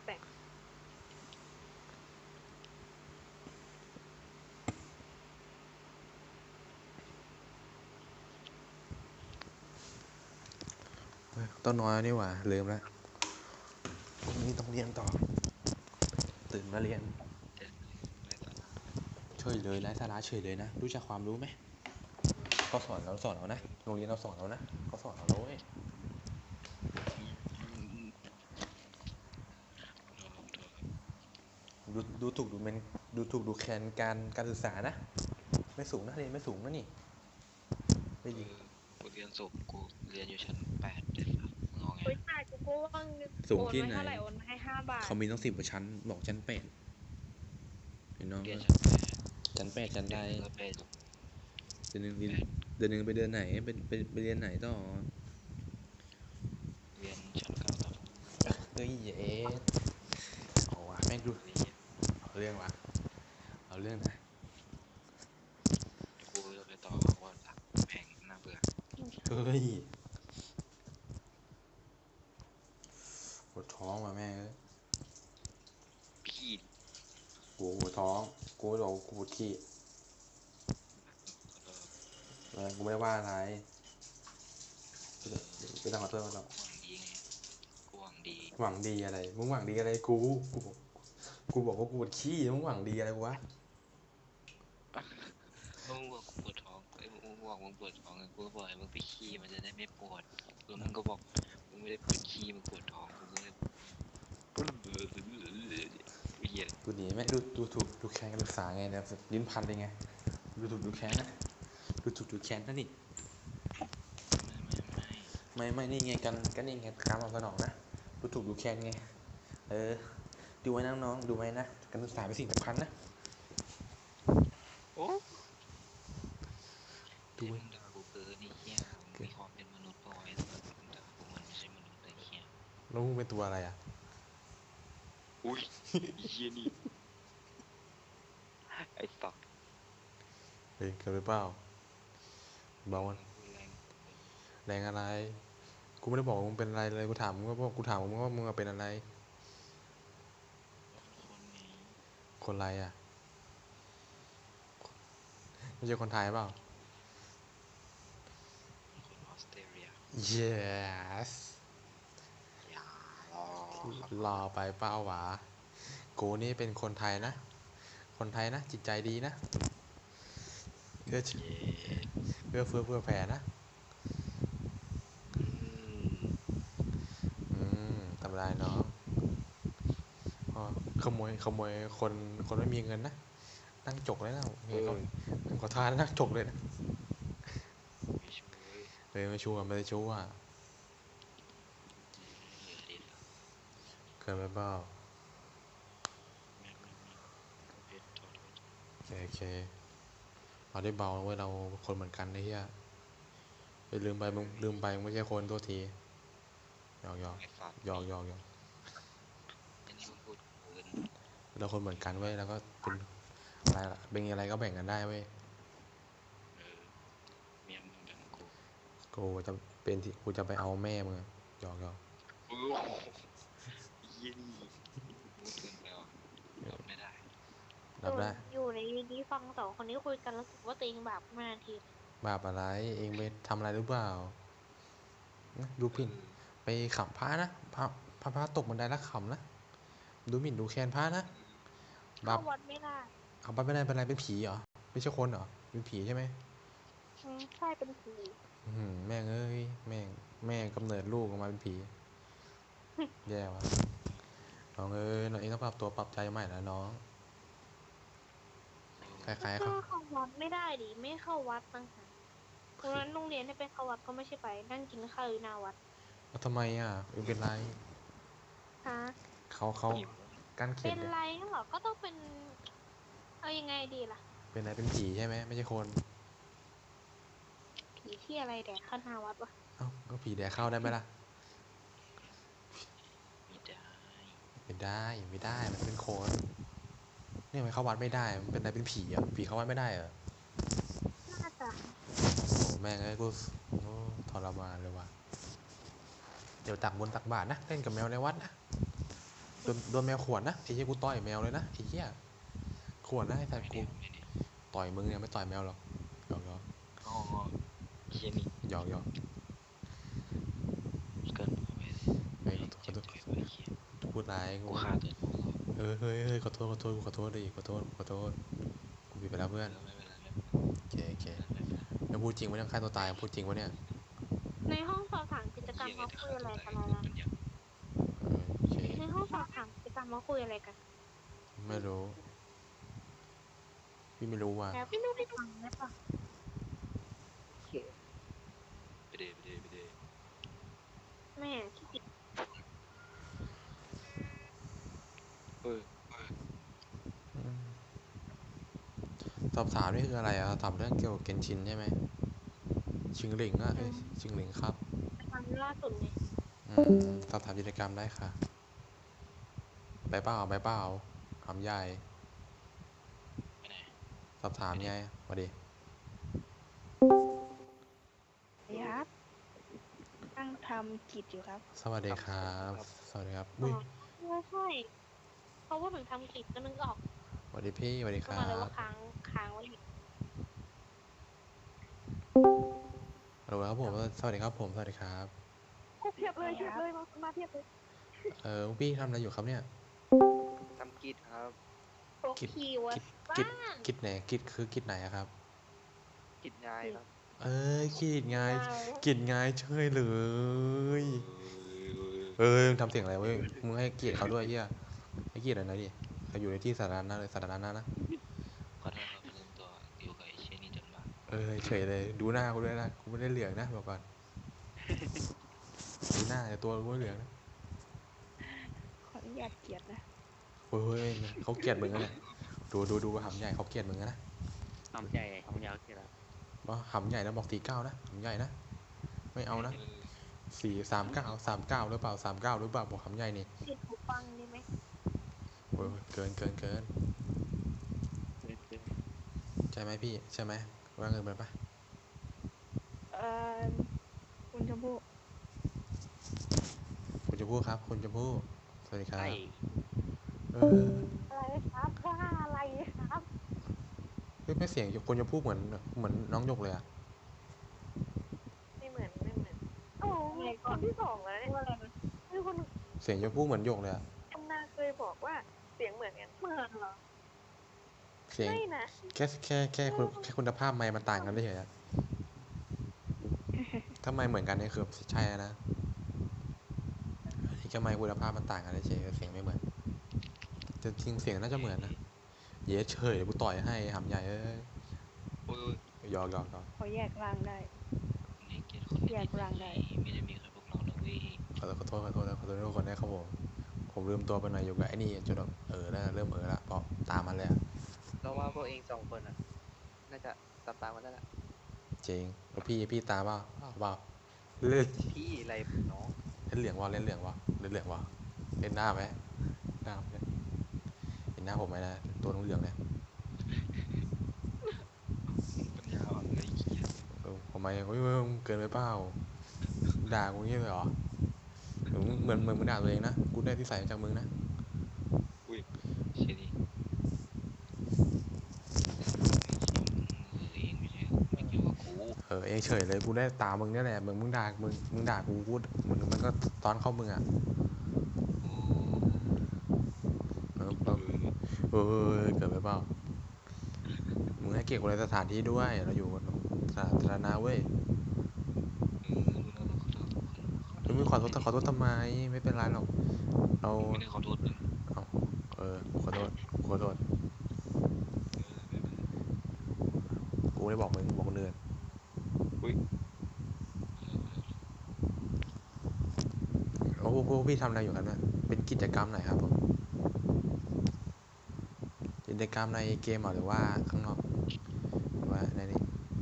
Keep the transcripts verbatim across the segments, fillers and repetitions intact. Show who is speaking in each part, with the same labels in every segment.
Speaker 1: แปลก
Speaker 2: ต้นน้อยนี่หว่าลืมแล้วพรุ่งนี้ต้องเรียนต่อตื่นมาเรียนเฉยเลยไร้สาระเฉยเลยนะรู้จักความรู้ไหมเขาสอนเราสอนเรานะโรงเรียนเราสอนเรานะเขาสอนเราเว้ยดูดูถูกดูเมนดูถูกดูแคลนการการศึกษานะไม่สูงนะเรียนไม่สูงนะนี่ไม่ดี
Speaker 3: กูเรียนสูงกูเรียนอยู่ชั้นแปดเด็ดครับงอไง
Speaker 1: เฮ้ยตายกูก็ว่าง
Speaker 2: สู
Speaker 1: โอน
Speaker 2: งที่ไหน
Speaker 1: ไว้เท่าไหร่โอนให้ห้าบาท
Speaker 2: เขามีต้องสิบกว่าชั้นบอกชั้นแปดเห็นน้อง
Speaker 3: เรียนชั้นแปด
Speaker 2: ชั้นแปดชั้นใด
Speaker 3: ก็เป็น
Speaker 2: เดือนหนึ่งเดือนหนึ่งไปเดือนไหนไปไปไปเรียนไหนต่อ
Speaker 3: เรียนชั้นเก้าต่อ
Speaker 2: เฮ้ยเอ๊ะโอ้วะแม่งดูเอาเรื่องวะเอาเรื่องนะ
Speaker 3: กูจะไปต่อว่าแพงน่าเบื่อ
Speaker 2: เฮ้ยปวดท้องว่ะแม่เอ้ย
Speaker 3: พี่
Speaker 2: กูปวดท้องกูบอกกูปวดขี้เออกูไม่ได้ว่าอะไรไม่ต้องขอโทษมันหรอก
Speaker 3: หวังดีไงกูหวังดี
Speaker 2: หวังดีอะไรมึงหวังดีอะไรกูกูบอกกูบอกว่ากูปวดขี้มึงหวังดีอะไรวะ
Speaker 3: มึงบอกกูปวดท้องไอ้มึงบอกมึงปวดท้องกูบอกให้มึงไปขี้มันจะได้ไม่ปวดแล้วมึงก็บอกมึงไม่ได้ปวดขี้มึงปวดท้องกูก็เลยเหี้ย
Speaker 2: กูหนีแม่ดูดูถูกดูแค้นการศึกษาไงเนี่ยลิ้นพันเลยไงดูถูกดูแค้นนะดูถูกดูแค้นนะนี่ไม่ไม่นี่ไงกันก็นี่ไงการตอบสนองนะดูถูกดูแค้นไงเออดูไว้นะน้องดูไว้นะการศึกษาเป็นสิ่งสำคัญนะ
Speaker 3: โอ้ดูมึงด่ากูเกินนี่เหี้ยมึงมีความเป็นมนุษย์พอไอ้สัตว์มึงด่ากูมันไม่ใช่มนุษย์เลยเหี้ย
Speaker 2: แล้วมึงเป็นตัวอะไรอ่ะ
Speaker 3: อุ้ยเหี้ยนี่ไอ้สัตว์
Speaker 2: เฮ้ยเกิดไปเปล่าบอกมันแรงอะไรกูไม่ได้บอกมึงเป็นอะไรเลยกูถามมึงว่ากูถามมึงว่ามึงเป็นอะไรคนอะไรอ่ะไม่ใช่คนไทยเปล่า
Speaker 3: คนออสเตรเลีย
Speaker 2: yes
Speaker 3: อย่ารอ
Speaker 2: รอไปเป้าหวากูนี่เป็นคนไทยนะคนไทยนะจิตใจดีนะเพื่อเพื่อเพื่อเพื่อแผ่นะอืมทำไรเนาะขโมยขโมยคนคนไม่มีเงินนะนั่งจกเลยนะเห็นเขาขอทานนั่งจกเลยนะ
Speaker 3: ไม่ช่วย
Speaker 2: เลยไม่ชัวร์ไม่ได้ชัวร์เกินไปเปล่าโอเคโอเคเราได้เบาเว้ยเราคนเหมือนกันไอ้เหี้ยไปลืมไปมึงลืมไปมึงไม่ใช่คนตัวทีหยอกหยอกหยอกหยอกหยอกเราคนเหมือนกันเว้ยแล้วก็เป็นอะไรล่ะเป็นอะไรก็แบ่งกันได้เว้ยกูจะเป็นที่กูจะไปเอาแม่มึงหยอกหยอก
Speaker 3: โอ้ยี่นี่พูดเกินไปว่ะรับไม่ได้
Speaker 2: รับได้
Speaker 1: อยู่ในนี้ฟังสองคนนี้คุยกันแล้วรู้สึกว่าตัวเองบาปมานาที
Speaker 2: บาปอะไรเองไปทำอะไรหรือเปล่าดูผิดไปขำพระนะพระพระพระตกบันไดแล้วขำนะดูหมิ่นดูแคลนพระนะบา
Speaker 1: เข้า
Speaker 2: ป
Speaker 1: วัดไม่ได้
Speaker 2: เอาไปไม่ได้เป็นอะไรเป็นผีเหรอไม่ใช่คนเหรอเป็นผีใช่ไหม
Speaker 1: อืมใช่เป็นผี
Speaker 2: แม่งเอ้ยแม่งแม่กำเนิดลูกออกมาเป็นผีแย่ว่ะน้องเอ้ยน้องเองต้องปรับตัวปรับใจใหม่แล้วน้องคล้ายๆ
Speaker 1: ก็
Speaker 2: เขา
Speaker 1: เข้าวัดไม่ได้ดิไม่เข้าวัดต่างหากเพราะนั้นโรงเรียนให้ไปเข้าวัดก็ไม่ใช่ไปนั่งกินข้าวอยู่หน้าวัด
Speaker 2: แล้วทำไมอ่ะเองเป็นไร
Speaker 1: ฮะ
Speaker 2: เขาเขากั้นเข็
Speaker 1: เป็น
Speaker 2: ดเนี่ย
Speaker 1: ไรงั้นเหรอก็ต้องเป็นเอายังไงดีล่ะ
Speaker 2: เป็นอะไรเป็นผีใช่ไหมไม่ใช่คน
Speaker 1: ผีที่อะไรแดกข้าหน้าวัดวะ
Speaker 2: เอ้าก็ผีแดกเข้าได้ไหมล่ะ
Speaker 3: ไม่ได้
Speaker 2: ไม่ได้ไม่ได้มันเป็นคนเนี่ยมันเข้าวัดไม่ได้มันเป็นอะไรเป็นผีอ่ะผีเข้าวัดไม่ได้เหรอ
Speaker 1: น่าจะ
Speaker 2: โอ้แม่งไอ้กูโอ้ทรมานเลยว่ะเดี๋ยวตักบนตักบาทนะเล่นกับแมวในวัดนะโดนโดนแมวข่วนนะไอ้เหี้ยกูต่อยแมวเลยนะไอ้เหี้ยข่วนนะไอ้สัตว์
Speaker 3: ไม่
Speaker 2: กู
Speaker 3: ได้ไม่ได้
Speaker 2: ต่อยมึงเนี่ยไม่ต่อยแมวหรอกหยอกหยอก
Speaker 3: อ๋อเฮียนี่
Speaker 2: หยอกหยอก
Speaker 3: เกินไป
Speaker 2: เฮ้ยขอโทษขอ
Speaker 3: เจ็บ
Speaker 2: โทษ
Speaker 3: ใจไปเฮีย
Speaker 2: พูดร้าย
Speaker 3: กูฆ่าตัวตายแล้ว
Speaker 2: เฮ้ยเฮ้ยเฮ้ยขอโทษขอโทษกูขอโทษดิขอโทษขอโทษกูผิดไปแล้วเพื่อน
Speaker 3: ไม่เป็นไรไม่
Speaker 2: โอเคโอเค
Speaker 3: เป็นไรไม่เป็นไร
Speaker 2: แล้วพูดจริงวะเนี่ยฆ่าตัวตายพูดจริงวะเนี่ย
Speaker 1: ในห้องสอบถามกิจกรรม
Speaker 3: เฮีย
Speaker 1: เขา
Speaker 3: แต่
Speaker 1: คุ
Speaker 3: ฆ่าย
Speaker 1: อะไร
Speaker 3: ตัว
Speaker 1: กั
Speaker 3: ตาน ย
Speaker 1: แล้ว
Speaker 3: มัน
Speaker 1: นะ
Speaker 3: ยัง
Speaker 2: เออโอเค
Speaker 1: ในห้องสอบถามกิจกรรมเขาคุยอะไรกัน
Speaker 2: ไม่รู้พี่ไม่รู้ว่ะ
Speaker 1: แล้วพี่นุ้ยฟังได้ปะ
Speaker 3: ไปเดไปเดไปเด
Speaker 1: แม่ขี้เกียจ
Speaker 3: เออ
Speaker 2: อืมสอบถามนี่คืออะไรอะถามเรื่องเกี่ยวกับเกนชินใช่ไหมชิงหลิงอะเอ้ยชิงหลิงครับ
Speaker 1: กิจกรรมล่าสุดไง
Speaker 2: อืมสอบถามกิจกรรมได้ค่ะใบเปล่าใบเปล่าถามยาย
Speaker 3: ไปไหน
Speaker 2: สอบถามยายมาดิ
Speaker 4: ครับนั่งทำกิจอยู่ครับ
Speaker 2: สวัสดีครับ สวัสดีครับอุ้ย
Speaker 1: ไม่ใช่เขาพูดถึงทำกิจก็นึกออก
Speaker 2: สวัสดีพี่สวัสดีค
Speaker 1: ก็
Speaker 2: รั
Speaker 1: มาเลย
Speaker 2: บ
Speaker 1: ว่าค้างค้างไว้อยู่
Speaker 2: ฮัลโหลครับผมสวัสดีครับผมสวัสดีครับ
Speaker 4: กูเพียบเลยเพียบเลยมามาเพียบเลย
Speaker 2: เออพี่ทำอะไรอยู่ครับเนี่ย
Speaker 5: ทำกิจครับ
Speaker 1: โปร
Speaker 2: กิจ
Speaker 1: คีย์เวิร์ด
Speaker 2: กิจ
Speaker 1: บ้าน
Speaker 2: กิจไหนกิจคือกิจไหนอะครับ
Speaker 5: กิจงายครับ
Speaker 2: เอ้ยกิจไง
Speaker 1: ได้
Speaker 2: กิจไงเชยเลย
Speaker 3: เออ
Speaker 2: เออมึงทำเสียงอะไรเว้ยมึงให้เกียรติเขาด้วยเฮียให้เกียรติหน่อยนะดิเขาอยู่ในที่สาธารณะเลยสาธารณะนะ
Speaker 3: ขอโทษครับลืมตัวอยู่กับไอ้เชยนี่จนมา
Speaker 2: เออเฉยเลยดูหน้ากูด้วยนะกูไม่ได้เหลืองนะบอกก่อนดูหน้าแต่ตัวกูไม่เหลืองนะ
Speaker 4: ขออนุญาตเกียรตินะ
Speaker 2: เฮ้ยเฮ้ยเขาเกลียดมึงนะเนี่ยดูดูดูหำใหญ่เขาเกลียดมึงนะ
Speaker 5: ทำใหญ่ทำยาวกี่แล้ว
Speaker 2: บอกหำใหญ่นะบอกสี่เก้านะหำใหญ่นะไม่เอานะ
Speaker 3: เออ
Speaker 2: สี่สามเก้าสามเก้าหรือเปล่าสามเก้าหรือเปล่าบอกหำใหญ่นี่
Speaker 1: ติดหูฟังได้ไหม
Speaker 2: โอ้ยเกินเกินเกินใช่ไหมพี่ใช่ไหมว่าเงินไปปะ
Speaker 4: เอ่อคุณชมพู่
Speaker 2: คุณจะพูดครับคุณจะพูดสวัสดีครับ
Speaker 5: ไอ้
Speaker 2: เออ
Speaker 1: อะไรครับว่าอะไรครับ
Speaker 2: เฮ้ยไม่เสียงคนจะพูดเหมือนเหมือนน้องหยกเลยอะ
Speaker 4: ไม่เหมือนไม่เหมือนโอ้คนที่สองแล้วเนี่ย
Speaker 1: ว่าอะไรนะ
Speaker 4: คือคน
Speaker 2: เสียงจะพูดเหมือนหยกเลยอะ
Speaker 4: คนนาเคยบอกว่าเสียงเหมือนกัน
Speaker 1: เหมือนเหรอ
Speaker 2: เสียง
Speaker 4: ไม่นะ
Speaker 2: แค่แค่แค่คุณแค่คุณภาพไมค์มันต่างกันเฉยๆอะถ้าไมค์เหมือนกันนี่คือใช่นะอันนี้แค่ไมค์คุณภาพมันต่างกันเฉยๆเสียงไม่เหมือนแต่จริงเสียงน่าจะเหมือนนะเย้เฉยเดี๋ยวกูต่อยให้หำใหญ่เอ้ย
Speaker 3: โอ้ย
Speaker 2: หยอกหยอกหยอก
Speaker 4: เขาแยกร่างได้
Speaker 3: นี่เกลียดคน
Speaker 4: แยกร่างได้
Speaker 3: ไม่ได้มีแค่พวกเรานะเว้ย
Speaker 2: ขอโทษขอโทษขอโทษขอโทษทุกคนนะครับผมผมลืมตัวไปหน่อยอยู่กับไอ้นี่จนแบบเออแล้วเริ่มเออละเพราะตามมันเลยอะ
Speaker 5: เราว่าพวกเองสองคนอ่ะ น่าจะตามตามๆกันได้ละ
Speaker 2: จริงแล้วพี่พี่ตามเปล่าเอาเปล่าเล่น
Speaker 5: พี่อะไรน้อง
Speaker 2: เล่นเหลืองวะเล่นเหลืองวะเล่นเหลืองวะเล่นหน้าไหมหน้าไหมเห็นหน้าผมไหมนะตัวเหลืองๆเนี่ย
Speaker 3: ปัญญาอ่อนเลยเกียด
Speaker 2: เออทำไมเฮ้ยเฮ้ยมึงเกินไปเปล่าด่ากูงี้เลยเหรอหรือมึงเหมือนเหมือนมึงด่าตัวเองนะกูได้ที่ใส่จากมึงนะ
Speaker 3: อุ้ยเชยนี่เออเองไม่ใช่ไม่เกี่ยวกับกู
Speaker 2: เออเองเฉยเลยกูได้ตามมึงเนี่ยแหละมึงมึงด่ามึงมึงด่ากูกูเหมือนมันก็ตอนเข้ามึงอ่ะ
Speaker 3: โอ้
Speaker 2: เออเออเออเกิดไปเปล่ามึงให้เกียรติคนในสถานที่ด้วยเราอยู่กันสาธารณะเว้ย
Speaker 3: เออรู้แล้วขอโทษขอโทษ
Speaker 2: เฮ้ยมึงขอโทษขอโทษทำไมไม่เป็นไรหรอกเรา
Speaker 3: ไม่ได้ขอโทษมึง
Speaker 2: เอาเออขอโทษขอโทษ
Speaker 3: เออไม่เป็นไร
Speaker 2: กูไม่ได้บอกมึงบอกคนอื่น
Speaker 3: อุ้ย
Speaker 2: โอ้พวกพี่ทำอะไรอยู่กันนะเป็นกิจกรรมไหนครับผมกิจกรรมในเกมเหรอหรือว่าข้างนอกหรือว่าในนี้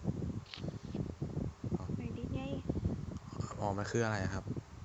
Speaker 4: ไม่ดีไง
Speaker 2: อ๋อมันคืออะไรอะครับ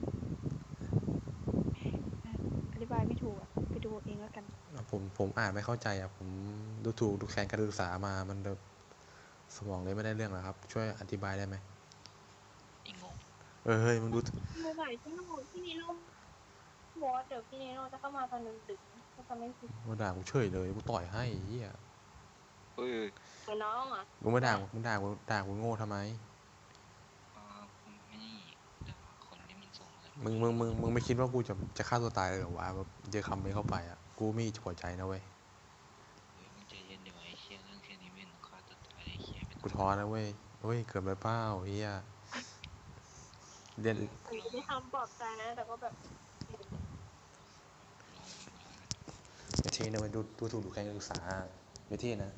Speaker 4: อธิบายไม่ถูกอ่ะ ไปดูเองแล้วกัน
Speaker 2: ผมผมอ่านไม่เข้าใจอ่ะผมดูถูกดูแคลนการศึกษามามันแบบสมองเลยไม่ได้เรื่องหรอครับ ช่วยอธิบายได้ไหม
Speaker 3: อีงง
Speaker 2: เออเฮ้ยมึงดู
Speaker 1: มือใหม่ที่น้องที่นี่ลูกบอสเดี๋ยวพี่เนโน่จะเข้ามาตอนดึกๆก็จะไม่ผิด
Speaker 2: มาด่ากูเฉยเลยกูต่อยให้ไอ้เหี้ย
Speaker 3: เฮ้ย
Speaker 1: เหมือนน้องอ่ะ
Speaker 2: มึงมาด่ามึงด่ากูด่ากูโง่ทำไม
Speaker 3: อ่าผมไม่นี่ด่าคนที่มันส่งอะไร
Speaker 2: มึงมึงมึงมึงไม่คิดว่ากูจะจะฆ่าตัวตายเลยเหรอวะแบบเจอคำนี้เข้าไปอ่ะกูมีหัวใจนะเว้ย
Speaker 3: เฮ้ยมึงใจเย็นเดี๋ยวไอ้เชี่ยเรื่องแค่นี้ไม่เห็นต้องฆ่าตัวตายไอ้เชี่ยไม่
Speaker 2: กู
Speaker 3: ต้อง
Speaker 2: ท้อนะเว้ยเฮ้ยเกิดไปเปล่าเฮียเรียน
Speaker 1: อันนี้ได้คำปลอบใจนะ แต่ก็แบบ
Speaker 2: ไม่เท่นะเว้ยดูดูถูกดูแคลนการศึกษาไม่เท่นะ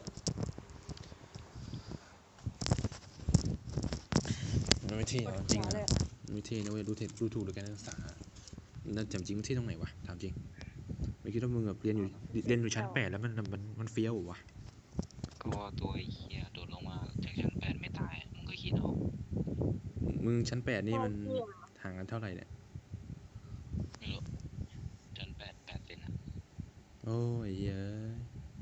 Speaker 2: มันไม่เท่หรอกจริง
Speaker 4: หัว
Speaker 2: นะ
Speaker 4: เลย
Speaker 2: ไม่เท่นะเว้ยดูเท่ดูถูกดูแคลนการศึกษาแล้วจำจริงไม่เท่ตรงไหนวะถามจริงไม่คิดว่ามึงแบบเรียนอยู่เรียนอยู่ชั้นแปดแล้วมันมันมันเฟี้ยวเหรอวะ
Speaker 3: ก็ตัวไอ้เชี่ยโดดลงมาจากชั้นแปดไม่ตายมึงก็คิดเอา
Speaker 2: มึงชั้นแปดนี่มัน
Speaker 1: โอเคอะ
Speaker 2: ห่างกันเท่าไหร่เนี่ย
Speaker 3: ไม่รู้ชั้นแปดแปดเซนอะ
Speaker 2: โอ้ยเย้ย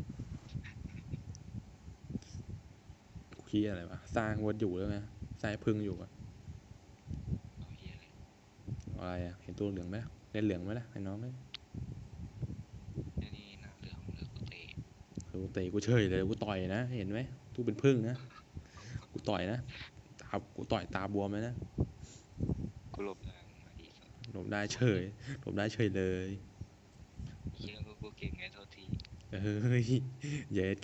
Speaker 2: กูคิดอะไรวะสร้างวัดอยู่แล้วไงสร้างพึ่งอยู่อะ
Speaker 3: เอาเฮียอะไร
Speaker 2: อะไรอะเห็นตัวเหลืองไหมล่ะเล่นเหลืองไหมล่ะไอ้น้องเอ้ย
Speaker 3: ไอ้นี่หนาเหลืองเหลืองกูเตะ
Speaker 2: เออกูเตะกูเฉยเลยกูต่อยนะเห็นไหมตู้เป็นพึ่งนะกูต่อยนะตากูต่อยตาบวมเลยนะ
Speaker 3: กูหลบได้มึงมาดีสัส
Speaker 2: หลบได้เฉยหลบได้เฉยเลย
Speaker 3: เฮียก็กูเก่งไงเท่าที
Speaker 2: เฮ้ยเย็ด